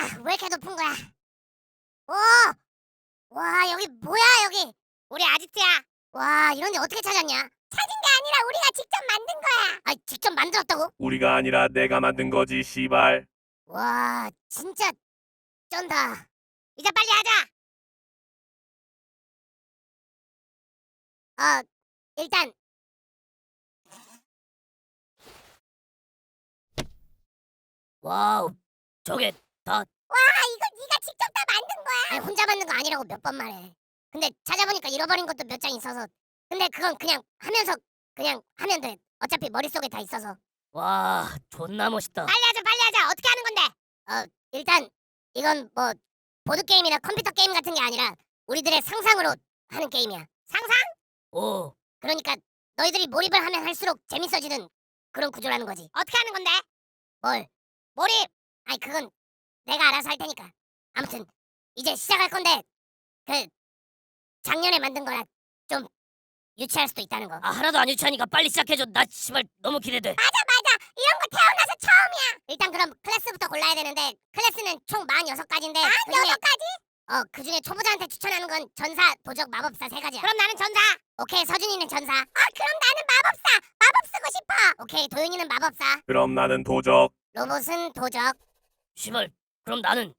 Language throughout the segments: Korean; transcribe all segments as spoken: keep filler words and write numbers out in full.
왜 이렇게 높은 거야? 오! 와, 여기 뭐야, 여기? 우리 아지트야. 와, 이런데 어떻게 찾았냐? 찾은 게 아니라 우리가 직접 만든 거야. 아, 직접 만들었다고? 우리가 아니라 내가 만든 거지, 씨발. 와, 진짜 쩐다. 이제 빨리 하자. 어, 일단 와우, 저게 다 이거 네가 직접 다 만든 거야? 아니, 혼자 만든 거 아니라고 몇 번 말해. 근데 찾아보니까 잃어버린 것도 몇 장 있어서. 근데 그건 그냥 하면서 그냥 하면 돼. 어차피 머릿속에 다 있어서. 와, 존나 멋있다. 빨리 하자, 빨리 하자. 어떻게 하는 건데? 어, 일단 이건 뭐 보드 게임이나 컴퓨터 게임 같은 게 아니라 우리들의 상상으로 하는 게임이야. 상상? 오, 그러니까 너희들이 몰입을 하면 할수록 재밌어지는 그런 구조라는 거지. 어떻게 하는 건데? 뭘? 몰입. 아니, 그건 내가 알아서 할 테니까. 아무튼 이제 시작할 건데 그 작년에 만든 거라 좀 유치할 수도 있다는 거. 아 하나도 안 유치하니까 빨리 시작해줘. 나 씨발 너무 기대돼. 맞아, 맞아. 이런 거 태어나서 처음이야. 일단 그럼 클래스부터 골라야 되는데 클래스는 총 사십육 가지인데 아, 그중에, 여섯 가지? 어, 그중에 초보자한테 추천하는 건 전사, 도적, 마법사 세 가지야. 그럼 나는 전사. 오케이, 서준이는 전사. 아, 그럼 나는 마법사. 마법 쓰고 싶어. 오케이, 도윤이는 마법사. 그럼 나는 도적. 로봇은 도적. 씨발, 그럼 나는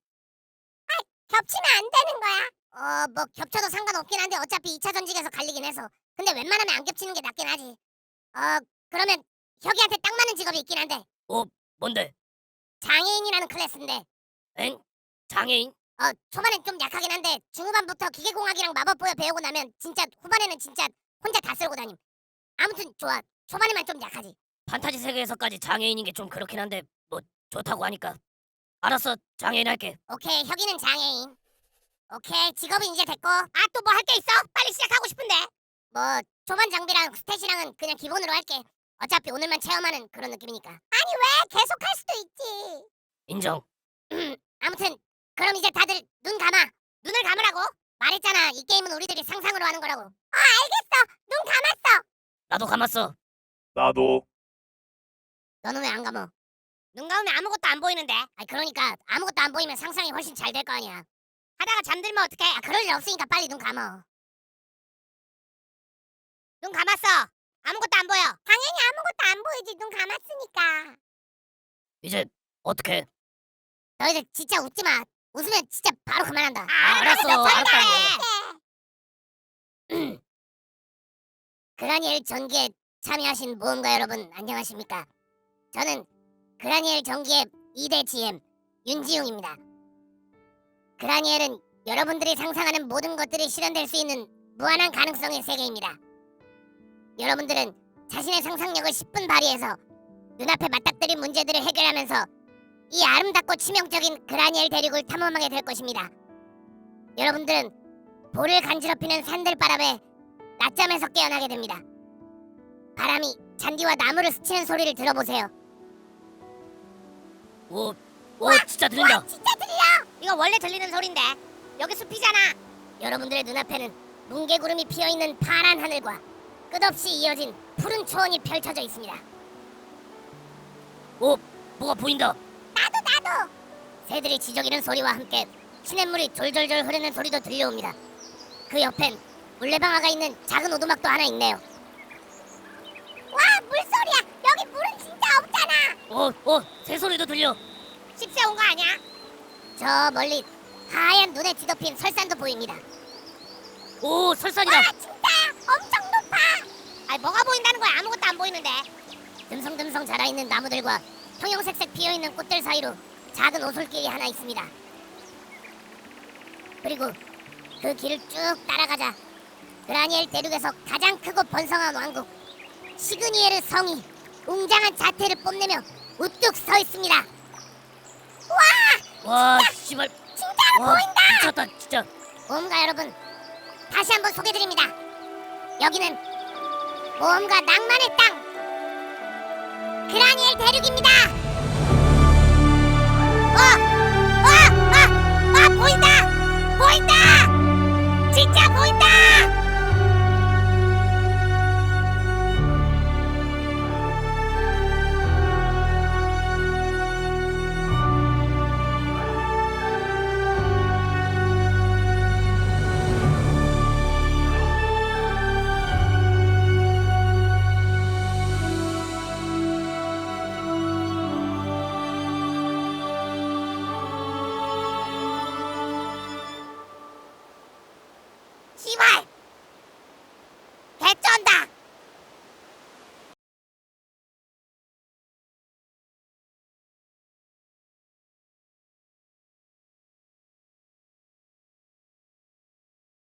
겹치면 안 되는 거야. 어, 뭐 겹쳐도 상관없긴 한데 어차피 이 차 전직에서 갈리긴 해서. 근데 웬만하면 안 겹치는 게 낫긴 하지. 어, 그러면 혁이한테 딱 맞는 직업이 있긴 한데 어 뭔데? 장애인이라는 클래스인데 엥? 장애인? 어, 초반엔 좀 약하긴 한데 중후반부터 기계공학이랑 마법보여 배우고 나면 진짜 후반에는 진짜 혼자 다 쓸고 다님. 아무튼 좋아. 초반에만 좀 약하지. 판타지 세계에서까지 장애인인 게 좀 그렇긴 한데 뭐 좋다고 하니까 알았어, 장애인 할게. 오케이, 혁이는 장애인. 오케이, 직업은 이제 됐고. 아, 또 뭐 할 게 있어? 빨리 시작하고 싶은데. 뭐 초반 장비랑 스탯이랑은 그냥 기본으로 할게. 어차피 오늘만 체험하는 그런 느낌이니까. 아니, 왜? 계속 할 수도 있지. 인정. 아무튼 그럼 이제 다들 눈 감아. 눈을 감으라고. 말했잖아, 이 게임은 우리들이 상상으로 하는 거라고. 어, 알겠어. 눈 감았어. 나도 감았어. 나도. 너는 왜 안 감어? 눈 감으면 아무것도 안 보이는데. 아, 그러니까 아무것도 안 보이면 상상이 훨씬 잘 될 거 아니야. 하다가 잠들면 어떡해? 아, 그럴 일 없으니까 빨리 눈 감어. 눈 감았어. 아무것도 안 보여. 당연히 아무것도 안 보이지. 눈 감았으니까. 이제 어떻게? 너희들 진짜 웃지 마. 웃으면 진짜 바로 그만한다. 아, 알았어, 알았다고. 그라니엘 전기에 참여하신 모험가 여러분, 안녕하십니까? 저는 그라니엘 전기의 이 대 지엠 윤지웅입니다. 그라니엘은 여러분들이 상상하는 모든 것들이 실현될 수 있는 무한한 가능성의 세계입니다. 여러분들은 자신의 상상력을 십 분 발휘해서 눈앞에 맞닥뜨린 문제들을 해결하면서 이 아름답고 치명적인 그라니엘 대륙을 탐험하게 될 것입니다. 여러분들은 볼을 간지럽히는 산들바람에 낮잠에서 깨어나게 됩니다. 바람이 잔디와 나무를 스치는 소리를 들어보세요. 오, 오 진짜 들린다. 와, 진짜 들려! 이거 원래 들리는 소린데 여기 숲이잖아. 여러분들의 눈앞에는 뭉게구름이 피어있는 파란 하늘과 끝없이 이어진 푸른 초원이 펼쳐져 있습니다. 오, 뭐가 보인다. 나도 나도! 새들이 지저귀는 소리와 함께 시냇물이 졸졸졸 흐르는 소리도 들려옵니다. 그 옆엔 물레방아가 있는 작은 오두막도 하나 있네요. 와, 물소리야! 여기 물은 진짜 없잖아! 오, 오, 새 소리도 들려. 씹새 온 거 아니야? 저 멀리 하얀 눈에 뒤덮인 설산도 보입니다. 오, 설산이다. 와, 진짜야! 엄청 높아! 아니, 뭐가 보인다는 거야? 아무것도 안 보이는데. 듬성듬성 자라있는 나무들과 형형색색 피어있는 꽃들 사이로 작은 오솔길이 하나 있습니다. 그리고 그 길을 쭉 따라가자 그라니엘 대륙에서 가장 크고 번성한 왕국 시그니에르 성이 웅장한 자태를 뽐내며 우뚝 서 있습니다. 와! 와, 씨발. 진짜로 와, 보인다! 미쳤다, 진짜. 모험가 여러분, 다시 한번 소개드립니다. 여기는 모험가 낭만의 땅 그라니엘 대륙입니다. 어! 어! 어! 어! 보인다! 보인다! 진짜 보인다! 씨발!